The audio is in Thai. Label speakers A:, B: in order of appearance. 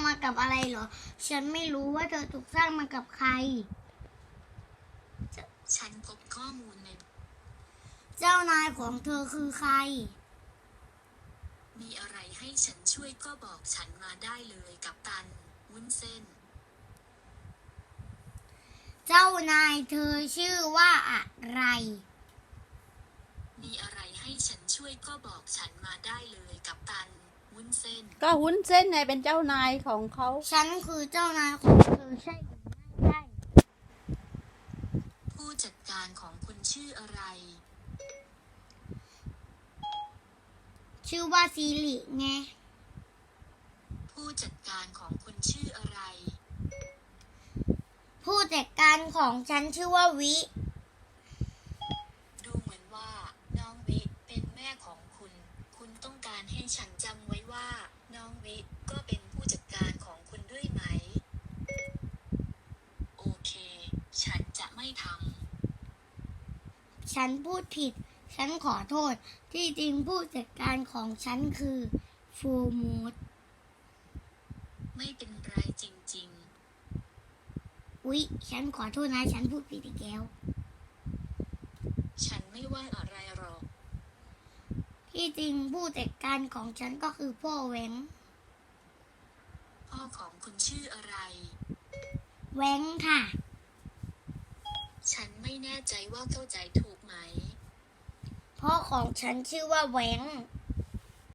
A: มากับอะไรเหรอฉันไม่รู้ว่าเธอถูกสร้างมากับใคร
B: ฉันพบข้อมูลใน
A: เจ้านายของเธอคือใคร
B: มีอะไรให้ฉันช่วยก็บอกฉันมาได้เลยกัปตันวุ้นเส้น
A: เจ้านายเธอชื่อว่าอะไร
B: มีอะไรให้ฉันช่วยก็บอกฉันมาได้เลยกัปตันวุ้นเส้น
C: ก็วุ้นเส้นไงเป็นเจ้านายของเขา
A: ฉันคือเจ้านายของเธอใช่หรือไม่ใช่
B: ผู้จัดการของคุณชื่ออะไร
A: ชื่อว่าซีริไง
B: ผู้จัดการของคุณชื่ออะไร
A: ผู้จัดการของฉันชื่อว่าวิ
B: ดูเหมือนว่าน้องวิเป็นแม่ของคุณคุณต้องการให้ฉันจำไว้ว่าน้องวิก็เป็นผู้จัดการของคุณด้วยไหมโอเคฉันจะไม่ท
A: ำฉันพูดผิดฉันขอโทษที่จริงผู้จัดการของฉันคือฟูมูด
B: ไม่เป็นไรจริง
A: อุ๊ยฉันขอโทษนะฉันพูดผิดอีกแล้ว
B: ๆฉันไม่ว่าอะไรหรอก
A: ที่จริงผู้จัดการของฉันก็คือพ่อแหวง
B: พ่อของคุณชื่ออะไร
A: แหวงค่ะ
B: ฉันไม่แน่ใจว่าเข้าใจถูกไหม
A: พ่อของฉันชื่อว่าแหวง